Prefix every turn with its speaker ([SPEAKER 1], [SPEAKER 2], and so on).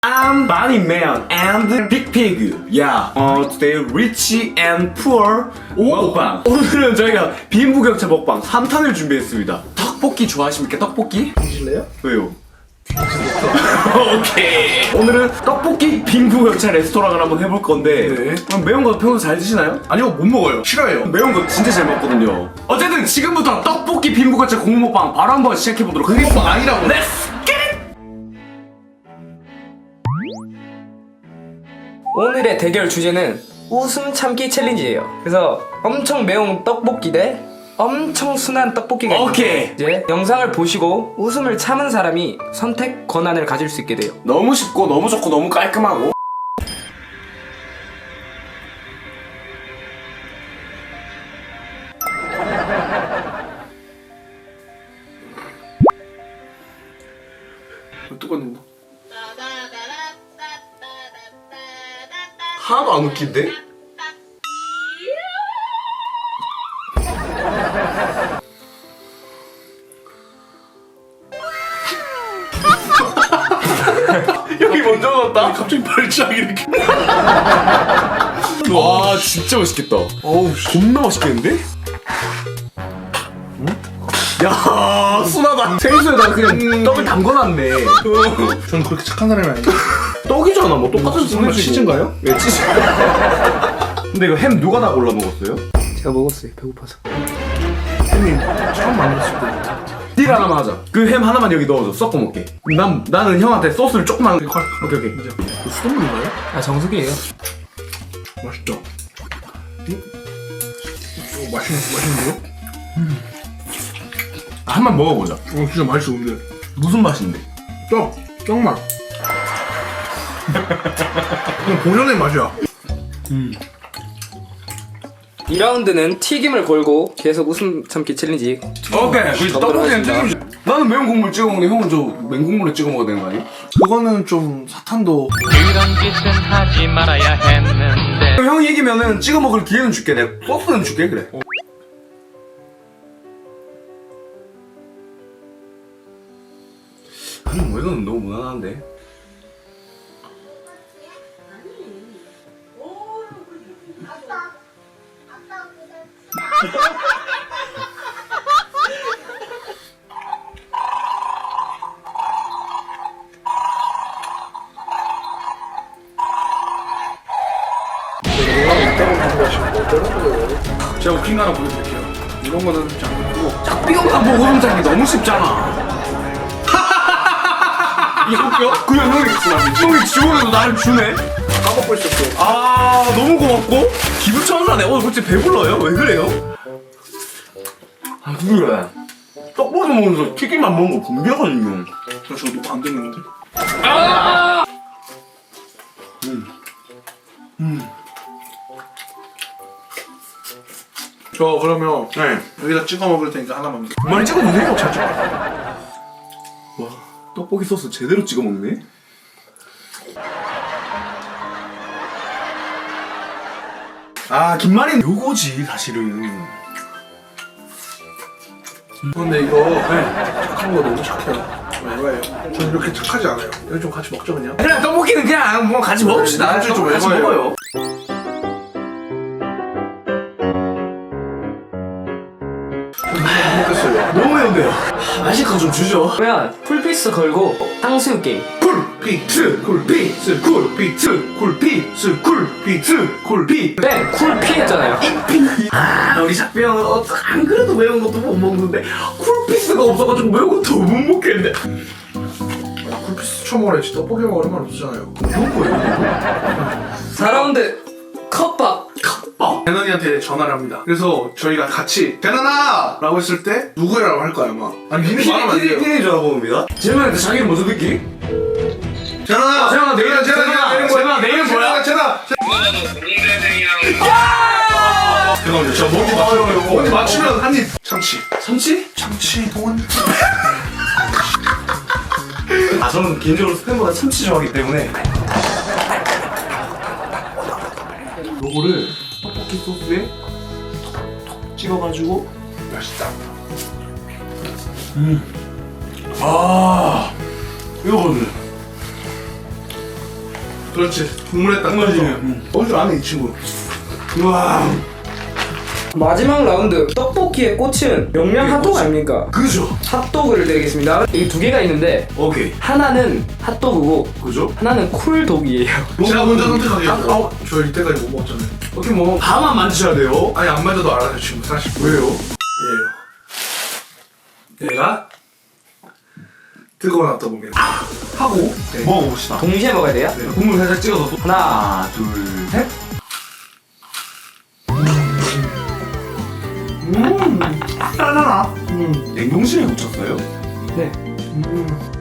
[SPEAKER 1] I'm Bunny Man and Big Pig. Yeah. Today rich and poor 먹방. 오늘은 저희가 빈부격차 먹방 3탄을 준비했습니다. 떡볶이 좋아하십니까? 떡볶이?
[SPEAKER 2] 드실래요?
[SPEAKER 1] 왜요? 오케이. 오늘은 떡볶이 빈부격차 레스토랑을 한번 해볼 건데 그럼 매운 거 평소 잘 드시나요?
[SPEAKER 2] 아니요, 못 먹어요. 싫어해요.
[SPEAKER 1] 매운 거 진짜 잘 먹거든요. 어쨌든 지금부터 떡볶이 빈부격차 공부 먹방 바로 한번 시작해보도록 하겠습니다.
[SPEAKER 2] 먹방 아니라고.
[SPEAKER 1] Let's get it!
[SPEAKER 3] 오늘의 대결 주제는 웃음 참기 챌린지예요. 그래서 엄청 매운 떡볶이 대 엄청 순한 떡볶이가
[SPEAKER 1] 오케이.
[SPEAKER 3] 있는데 이제 영상을 보시고 웃음을 참은 사람이 선택 권한을 가질 수 있게 돼요.
[SPEAKER 1] 너무 쉽고 너무 좋고 너무 깔끔하고
[SPEAKER 2] 똑같네. 하나도 안 웃긴데?
[SPEAKER 1] 여기 먼저 넣었다?
[SPEAKER 2] 갑자기 발작 이렇게.
[SPEAKER 1] 와 진짜 맛있겠다. 어우 겁나 맛있겠는데? 야 순하다. 생수에다 그냥 떡을 담궈놨네.
[SPEAKER 2] 저는 그렇게 착한 사람이 아니에요.
[SPEAKER 1] 떡이잖아 뭐 똑같은
[SPEAKER 2] 설마 치즈인가요?
[SPEAKER 1] 네 치즈. 근데 이거 햄 누가 다 골라 먹었어요?
[SPEAKER 3] 제가 먹었어요. 배고파서.
[SPEAKER 2] 형님 처음 만났을 때.
[SPEAKER 1] 딜 하나만 하자. 그 햄 하나만 여기 넣어줘. 섞어 먹게. 나는 형한테 소스를 조금만. 오케이.
[SPEAKER 2] 수돗물인가요?
[SPEAKER 3] 아 정수기예요.
[SPEAKER 2] 맛있죠? 맛있는데요?
[SPEAKER 1] 한번 먹어보자.
[SPEAKER 2] 진짜 맛있어 근데.
[SPEAKER 1] 무슨 맛인데?
[SPEAKER 2] 떡맛. 그냥 본연의 맛이야.
[SPEAKER 3] 2라운드는 튀김을 걸고 계속 웃음 참기 챌린지.
[SPEAKER 1] 오케이. 그 떡볶이는
[SPEAKER 3] 하겠습니다.
[SPEAKER 1] 튀김. 나는 매운 국물 찍어 먹는데 형은 저 맹국물에 찍어 먹어야 되는 거 아니야?
[SPEAKER 2] 그거는 좀 사탄도.
[SPEAKER 4] 이런 짓은 하지 말아야 했는데
[SPEAKER 1] 형 얘기면은 찍어 먹을 기회는 줄게. 내가 소스는 줄게 그래. 아니 뭐 이건 너무 무난한데.
[SPEAKER 2] 제가 웃긴 거 하나 보여드릴게요. 이런 거는 장르고.
[SPEAKER 1] 짝비용만 보고 웃음 참기 너무 쉽잖아.
[SPEAKER 2] 이거 웃겨?
[SPEAKER 1] 그냥 형이 지원해도 나를 주네.
[SPEAKER 2] 까먹고 있었어.
[SPEAKER 1] 아 너무 고맙고 기분 천사네. 오늘 솔직히 배불러요? 왜 그래요? 아 그래. 떡볶이 먹으면서 튀김만 먹는 거 분명하거든요.
[SPEAKER 2] 저 녹화 안 되는데. 저 그러면
[SPEAKER 1] 네.
[SPEAKER 2] 여기다 찍어 먹을 테니까 하나만.
[SPEAKER 1] 많이 찍어주세요. 와 떡볶이 소스 제대로 찍어 먹네. 아 김말이는 요거지 사실은.
[SPEAKER 2] 근데 이거 착한 거 너무 착해요. 왜? 저는 이렇게 착하지 않아요. 이거 좀 같이 먹죠 그냥.
[SPEAKER 1] 그냥 떡볶이는 그냥 뭐 같이 먹읍시다.
[SPEAKER 2] 나중에 좀
[SPEAKER 1] 같이
[SPEAKER 2] 해봐요.
[SPEAKER 1] 먹어요.
[SPEAKER 2] 먹겠어요.
[SPEAKER 1] 너무 매운데요. 맛있거 좀 주죠.
[SPEAKER 3] 그러면 풀피스 걸고 탕수육 게임.
[SPEAKER 1] 쿨피트 쿨피트 쿨피트 쿨피트 쿨피트 쿨피트.
[SPEAKER 3] 네, 쿨피 했잖아요.
[SPEAKER 1] 아 우리 작비 형은 안 그래도 매운 것도 못 먹는데 쿨피스가 없어가지고 매운 것도 못 먹겠는데.
[SPEAKER 2] 쿨피스 쳐먹어야지. 떡볶이 먹을 얼마나 없잖아요.
[SPEAKER 1] 그런 거예요?
[SPEAKER 3] 4라운드 컵밥.
[SPEAKER 2] 대난이한테 전화를 합니다. 그래서 저희가 같이 대난아! 라고 했을 때 누구라고 할 거야 아마. 아니 님이 말하면 안 돼요.
[SPEAKER 1] 피디 전화 봅니다. 재만한테 자기는 무슨 느낌?
[SPEAKER 2] 재난아!
[SPEAKER 1] 재난아, 내 이름 재난아, 내 이름 뭐야?
[SPEAKER 2] 재난아! 죄송합니다. 저 뭔지 맞추면 한입. 참치.
[SPEAKER 1] 참치?
[SPEAKER 2] 참치 돈.
[SPEAKER 1] 아 저는 개인적으로 스팸보다 참치 좋아하기 때문에 요거를 떡볶이 소스에 톡톡 찍어가지고
[SPEAKER 2] 맛있다.
[SPEAKER 1] 아 이거거든.
[SPEAKER 2] 그렇지. 국물에 딱
[SPEAKER 1] 국물이면.
[SPEAKER 2] 먹을 줄 아네 이 친구. 우와.
[SPEAKER 3] 마지막 라운드 떡볶이의 꽃은 명량 핫도그 아닙니까?
[SPEAKER 2] 그죠.
[SPEAKER 3] 핫도그를 드리겠습니다. 이 두 개가 있는데
[SPEAKER 1] 오케이.
[SPEAKER 3] 하나는 핫도그고
[SPEAKER 1] 그죠?
[SPEAKER 3] 하나는 쿨독이에요.
[SPEAKER 2] 제가 먼저 선택하게요.
[SPEAKER 1] 아,
[SPEAKER 2] 저 이때까지 못 먹었잖아요.
[SPEAKER 1] 오케이 뭐 다만 만드셔야 돼요.
[SPEAKER 2] 아니 안 맞아도 알아요 친구 사실.
[SPEAKER 1] 왜요?
[SPEAKER 2] 얘예요. 얘가 뜨거운 핫도그입니다.
[SPEAKER 1] 하고 먹어봅시다.
[SPEAKER 3] 동시에 먹어야 돼요?
[SPEAKER 1] 네, 국물 살짝 찍어서
[SPEAKER 3] 하나,
[SPEAKER 1] 둘, 셋. 짠하나? 냉동실에 묻혔어요?
[SPEAKER 3] 네.